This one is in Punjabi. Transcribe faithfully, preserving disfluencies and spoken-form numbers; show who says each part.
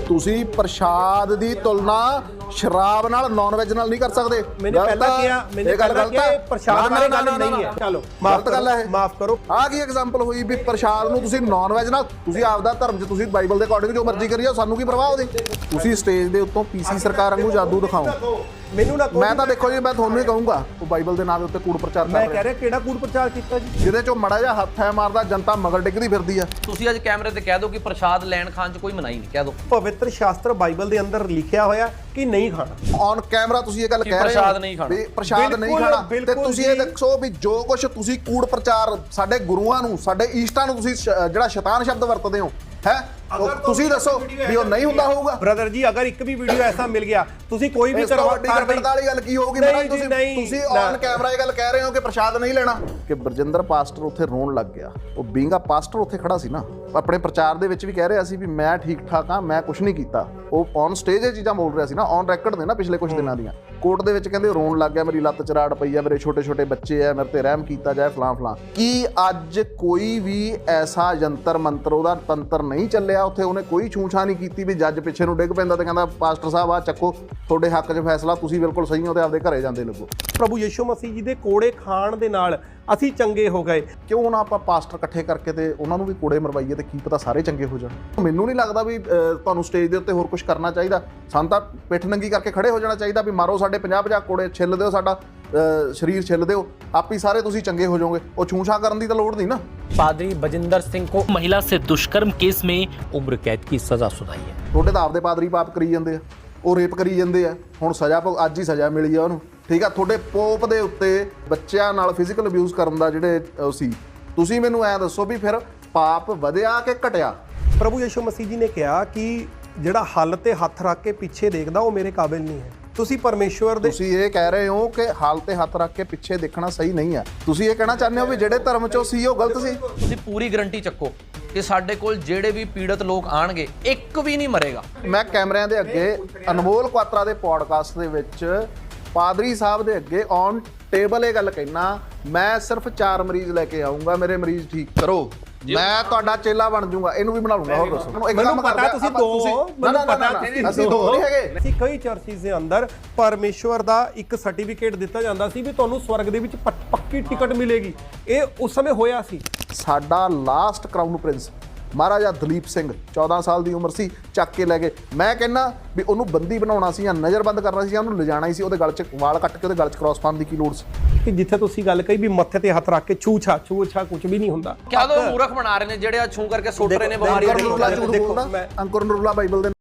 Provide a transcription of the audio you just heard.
Speaker 1: ਤੁਸੀਂ ਪ੍ਰਸ਼ਾਦ ਦੀ ਤੁਲਨਾ ਸ਼ਰਾਬ ਨਾਲ ਨੌਨ ਵੈਜ ਨਾਲ ਨਹੀਂ ਕਰ ਸਕਦੇ।
Speaker 2: मैंने पहला किया मैंने पहला किया प्रसाद वाली गल नहीं है। चलो
Speaker 1: ਗਲਤ ਗੱਲ ਹੈ,
Speaker 2: माफ करो।
Speaker 1: ਆ ਕੀ ਐਗਜ਼ਾਮਪਲ ਹੋਈ ਵੀ ਪ੍ਰਸ਼ਾਦ ਨੂੰ ਤੁਸੀਂ ਨੌਨ ਵੈਜ ਨਾਲ, ਤੁਸੀਂ ਆਪਦਾ ਧਰਮ 'ਚ ਤੁਸੀਂ ਬਾਈਬਲ ਦੇ ਅਕੋਰਡਿੰਗ ਜੋ ਮਰਜ਼ੀ ਕਰੀ ਜਾਓ, ਸਾਨੂੰ ਕੀ ਪਰਵਾਹ ਉਹਦੀ। ਤੁਸੀਂ ਸਟੇਜ ਦੇ ਉੱਤੋਂ ਪੀਸੀ ਸਰਕਾਰ ਵਾਂਗੂ ਜਾਦੂ ਦਿਖਾਓ।
Speaker 2: ਮੈਨੂੰ ਨਾ
Speaker 1: ਮੈਂ ਤਾਂ ਦੇਖੋ ਜੀ, ਮੈਂ ਤੁਹਾਨੂੰ ਹੀ ਕਹੂੰਗਾ ਉਹ ਬਾਈਬਲ ਦੇ ਨਾਂ ਦੇ ਉੱਤੇ ਕੂੜ ਪ੍ਰਚਾਰ ਕਰ
Speaker 2: ਮੈਂ
Speaker 1: ਰਿਹਾ।
Speaker 2: ਕਹਿ ਰਿਹਾ ਕਿਹੜਾ ਕੂੜ ਪ੍ਰਚਾਰ ਕੀਤਾ ਜੀ,
Speaker 1: ਜਿਹਦੇ ਚੋਂ ਮੜਾ ਜਿਹਾ ਹੱਥ ਹੈ ਮਾਰਦਾ ਜਨਤਾ ਮਗਰ ਡਿੱਗਦੀ ਫਿਰਦੀ ਆ।
Speaker 3: ਤੁਸੀਂ ਅੱਜ ਕੈਮਰੇ ਤੇ ਕਹਿ ਦਿਓ ਕਿ ਪ੍ਰਸ਼ਾਦ ਲੈਣ ਖਾਣ 'ਚ ਕੋਈ ਮਨਾਹੀ ਨਹੀਂ, ਕਹਿ ਦਿਓ।
Speaker 2: ਪਵਿੱਤਰ ਸ਼ਾਸਤਰ ਬਾਈਬਲ ਦੇ ਅੰਦਰ ਲਿਖਿਆ ਹੋਇਆ ਕਿ ਨਹੀਂ ਖਾਣਾ।
Speaker 1: ਔਨ ਕੈਮਰਾ ਤੁਸੀਂ ਇਹ ਗੱਲ ਕਹਿ ਰਹੇ ਹੋ
Speaker 3: ਪ੍ਰਸ਼ਾਦ ਨਹੀਂ ਖਾਣਾ,
Speaker 1: ਵੀ ਪ੍ਰਸ਼ਾਦ ਨਹੀਂ ਖਾਣਾ, ਤੇ ਤੁਸੀਂ ਇਹ ਦੱਸੋ ਵੀ ਜੋ ਕੁਝ ਤੁਸੀਂ ਕੂੜ ਪ੍ਰਚਾਰ ਸਾਡੇ ਗੁਰੂਆਂ ਨੂੰ, ਸਾਡੇ ਈਸ਼ਟਾਂ ਨੂੰ ਤੁਸੀਂ ਜਿਹੜਾ ਸ਼ੈਤਾਨ ਸ਼ਬਦ ਵਰਤਦੇ ਹੋ ਹੈ, ਤੁਸੀਂ ਦੱਸੋ ਵੀ ਉਹ ਨਹੀਂ ਹੁੰਦਾ ਹੋਊਗਾ।
Speaker 2: ਬ੍ਰਦਰ ਜੀ ਅਗਰ ਇੱਕ ਵੀ ਵੀਡੀਓ ਐਸਾ ਮਿਲ ਗਿਆ, ਤੁਸੀਂ ਕੋਈ ਵੀ ਕਰਵਾ
Speaker 1: ਵੱਡੀ ਗੜਬੜ ਵਾਲੀ ਗੱਲ ਕੀ ਹੋਊਗੀ? ਮਹਾਰਾਜ ਤੁਸੀਂ ਤੁਸੀਂ ਔਨ ਕੈਮਰਾ ਇਹ ਗੱਲ ਕਹਿ ਰਹੇ ਹੋ ਕਿ ਪ੍ਰਸ਼ਾਦ ਨਹੀਂ ਲੈਣਾ। ਕਿ ਬਰਜਿੰਦਰ ਪਾਸਟਰ ਉੱਥੇ ਰੋਣ ਲੱਗ ਗਿਆ। ਉਹ ਬੀਂਗਾ ਪਾਸਟਰ ਉੱਥੇ ਖੜਾ ਸੀ ਨਾ, ਆਪਣੇ ਪ੍ਰਚਾਰ ਦੇ ਵਿੱਚ ਵੀ ਕਹਿ ਰਿਹਾ ਸੀ ਵੀ ਮੈਂ ਠੀਕ ਠਾਕ ਹਾਂ, ਮੈਂ ਕੁਝ ਨਹੀਂ ਕੀਤਾ। ਉਹ ਔਨ ਸਟੇਜ ਇਹ ਚੀਜ਼ਾਂ ਬੋਲ ਰਿਹਾ ਸੀ ਨਾ, ਔਨ ਰੈਕੋਰਡ ਨੇ ਨਾ ਪਿਛਲੇ ਕੁਝ ਦਿਨਾਂ ਦੀਆਂ। ਕੋਰਟ ਦੇ ਵਿੱਚ ਕਹਿੰਦੇ ਰੋਣ ਲੱਗ ਗਿਆ, ਮੇਰੀ ਲੱਤ ਚਰਾੜ ਪਈ ਆ, ਮੇਰੇ ਛੋਟੇ ਛੋਟੇ ਬੱਚੇ ਆ, ਮੇਰੇ ਤੇ ਰਹਿਮ ਕੀਤਾ ਜਾਏ, ਫਲਾਂ ਫਲਾਂ। ਕੀ ਅੱਜ ਕੋਈ ਵੀ ਐਸਾ ਜੰਤਰ ਮੰਤਰ, ਉਹਦਾ ਤੰਤਰ ਨਹੀਂ ਚੱਲਿਆ ਉੱਥੇ? ਉਹਨੇ ਕੋਈ ਛੂਛਾ ਨਹੀਂ ਕੀਤੀ ਵੀ ਜੱਜ ਪਿੱਛੇ ਨੂੰ ਡਿੱਗ ਪੈਂਦਾ ਤੇ ਕਹਿੰਦਾ ਪਾਸਟਰ ਸਾਹਿਬ ਆ ਚੱਕੋ, ਤੁਹਾਡੇ ਹੱਕ 'ਚ ਫੈਸਲਾ, ਤੁਸੀਂ ਬਿਲਕੁਲ ਸਹੀ ਹੋ ਤੇ ਆਪਦੇ ਘਰੇ ਜਾਂਦੇ ਲੱਗੋ।
Speaker 2: ਪ੍ਰਭੂ ਯਿਸੂ ਮਸੀਹ ਜੀ ਦੇ ਕੋੜੇ ਖਾਣ ਦੇ ਨਾਲ ਅਸੀਂ ਚੰਗੇ ਹੋ ਗਏ।
Speaker 1: ਕਿਉਂ ਨਾ ਆਪਾਂ ਪਾਸਟਰ ਇਕੱਠੇ ਕਰਕੇ ਤੇ ਉਹਨਾਂ ਨੂੰ ਵੀ ਕੋੜੇ ਮਰਵਾਈਏ ਤੇ ਕੀ ਪਤਾ ਸਾਰੇ ਚੰਗੇ ਹੋ ਜਾਣ। ਮੈਨੂੰ ਨਹੀਂ ਲੱਗਦਾ ਵੀ ਤੁਹਾਨੂੰ ਸਟੇਜ ਦੇ ਉੱਤੇ ਹੋਰ ਕੁਝ ਕਰਨਾ ਚਾਹੀਦਾ। ਸਾਨੂੰ ਤਾਂ ਪਿੱਠ ਨੰਗੀ ਕਰਕੇ ਖੜੇ ਹੋ ਜਾਣਾ ਚਾਹੀਦਾ ਵੀ ਮਾਰੋ ਸਾਡੇ ਪੰਜਾਹ ਪੰਜਾਹ ਕੋੜੇ, ਛਿੱਲ ਦਿਓ ਸਾਡਾ ਸਰੀਰ, ਛਿੱਲ ਦਿਓ, ਆਪੀ ਸਾਰੇ ਤੁਸੀਂ ਚੰਗੇ ਹੋ ਜਾਓਗੇ। ਉਹ ਛੂਛਾ ਕਰਨ ਦੀ ਤਾਂ ਲੋੜ नहीं ना।
Speaker 4: पादरी बजिंदर सिंह को महिला से दुष्कर्म केस में उम्र कैद की सजा सुनाई है।
Speaker 1: ਤੁਹਾਡੇ ਤਾਂ ਆਪਦੇ ਪਾਦਰੀ ਪਾਪ ਕਰੀ ਜਾਂਦੇ ਆ, ਉਹ ਰੇਪ ਕਰੀ ਜਾਂਦੇ ਆ। ਹੁਣ ਸਜ਼ਾ ਅੱਜ ਹੀ ਸਜ਼ਾ ਮਿਲੀ ਆ ਉਹਨੂੰ, ਠੀਕ ਆ। ਤੁਹਾਡੇ ਪੋਪ ਦੇ ਉੱਤੇ ਬੱਚਿਆਂ ਨਾਲ ਫਿਜ਼ੀਕਲ ਅਬਿਊਜ਼ ਕਰਨ ਦਾ ਜਿਹੜੇ ਸੀ, ਤੁਸੀਂ ਮੈਨੂੰ ਐਂ ਦੱਸੋ ਵੀ ਫਿਰ ਪਾਪ ਵਧਿਆ ਕਿ ਘਟਿਆ?
Speaker 2: ਪ੍ਰਭੂ ਯਿਸੂ ਮਸੀਹ ਜੀ ਨੇ ਕਿਹਾ ਕਿ ਜਿਹੜਾ ਹੱਲ ਤੇ ਹੱਥ ਰੱਖ ਕੇ ਪਿੱਛੇ ਦੇਖਦਾ ਉਹ ਮੇਰੇ ਕਾਬਿਲ ਨਹੀਂ ਹੈ। ਤੁਸੀਂ ਪਰਮੇਸ਼ਵਰ ਦੇ,
Speaker 1: ਤੁਸੀਂ ਇਹ ਕਹਿ ਰਹੇ ਹੋ ਕਿ ਹਾਲ ਤੇ ਹੱਥ ਰੱਖ ਕੇ ਪਿੱਛੇ ਦੇਖਣਾ ਸਹੀ ਨਹੀਂ ਹੈ। ਤੁਸੀਂ ਇਹ ਕਹਿਣਾ ਚਾਹੁੰਦੇ ਹੋ ਵੀ ਜਿਹੜੇ ਧਰਮ 'ਚੋਂ ਸੀ ਉਹ ਗਲਤ ਸੀ?
Speaker 3: ਤੁਸੀਂ ਪੂਰੀ ਗਰੰਟੀ ਚੱਕੋ ਕਿ ਸਾਡੇ ਕੋਲ ਜਿਹੜੇ ਵੀ ਪੀੜਤ ਲੋਕ ਆਣਗੇ, ਇੱਕ ਵੀ ਨਹੀਂ ਮਰੇਗਾ।
Speaker 1: ਮੈਂ ਕੈਮਰਿਆਂ ਦੇ ਅੱਗੇ ਅਨਮੋਲ ਕੁਆਤਰਾ ਦੇ ਪੋਡਕਾਸਟ ਦੇ ਵਿੱਚ ਪਾਦਰੀ ਸਾਹਿਬ ਦੇ ਅੱਗੇ ਔਨ ਟੇਬਲ ਇਹ ਗੱਲ ਕਹਿਣਾ, ਮੈਂ ਸਿਰਫ ਚਾਰ ਮਰੀਜ਼ ਲੈ ਕੇ ਆਉਂਗਾ, ਮੇਰੇ ਮਰੀਜ਼ ਠੀਕ ਕਰੋ, ਮੈਂ ਤੁਹਾਡਾ ਚੇਲਾ ਬਣ ਜਾਊਂਗਾ। ਇਹਨੂੰ ਵੀ ਬਣਾ ਲੂੰਗਾ। ਹੋਰ ਦੱਸੋ
Speaker 2: ਮੈਨੂੰ ਪਤਾ ਤੁਸੀਂ ਦੋ, ਮੈਨੂੰ ਪਤਾ
Speaker 1: ਅਸੀਂ ਦੋ ਨਹੀਂ ਹੈਗੇ।
Speaker 2: ਅਸੀਂ ਕਈ ਚਰਚਿਸ ਦੇ ਅੰਦਰ ਪਰਮੇਸ਼ਵਰ ਦਾ ਇੱਕ ਸਰਟੀਫਿਕੇਟ ਦਿੱਤਾ ਜਾਂਦਾ ਸੀ ਵੀ ਤੁਹਾਨੂੰ ਸਵਰਗ ਦੇ ਵਿੱਚ ਪੱਕੀ ਟਿਕਟ ਮਿਲੇਗੀ। ਇਹ ਉਸ ਸਮੇਂ ਹੋਇਆ ਸੀ।
Speaker 1: ਸਾਡਾ last crown prince Maharaja Dalip Singh ਚੌਦਾਂ ਸਾਲ ਦੀ ਉਮਰ ਸੀ, ਚੱਕ ਕੇ ਲੈ ਗਏ। ਮੈਂ ਕਹਿੰਦਾ ਵੀ ਉਹਨੂੰ ਬੰਦੀ ਬਣਾਉਣਾ ਸੀ ਜਾਂ ਨਜ਼ਰਬੰਦ ਕਰਨਾ ਸੀ ਜਾਂ ਉਹਨੂੰ ਲਿਜਾਣਾ ਹੀ ਸੀ। ਉਹਦੇ ਗਲ 'ਚ ਵਾਲ ਕੱਟ ਕੇ ਉਹਦੇ ਗਲ 'ਚ ਕ੍ਰਾਸ ਪਾਉਣ ਦੀ ਕੀ ਲੋੜ ਸੀ?
Speaker 2: ਕਿ ਜਿੱਥੇ ਤੁਸੀਂ ਗੱਲ ਕਹੀ ਵੀ ਮੱਥੇ ਤੇ ਹੱਥ ਰੱਖ ਕੇ ਛੂ ਛਾ ਛੂ ਛਾ ਕੁਝ ਵੀ ਨਹੀਂ ਹੁੰਦਾ।
Speaker 3: ਕਿਆ ਦੋ ਮੂਰਖ ਬਣਾ ਰਹੇ ਨੇ ਜਿਹੜੇ ਆ ਛੂ ਕਰਕੇ ਸੁੱਟ ਰਹੇ ਨੇ ਬਿਮਾਰੀਆਂ।
Speaker 1: ਅੰਕੁਰ ਨਰੂਲਾ ਬਾਈਬਲ ਦੇ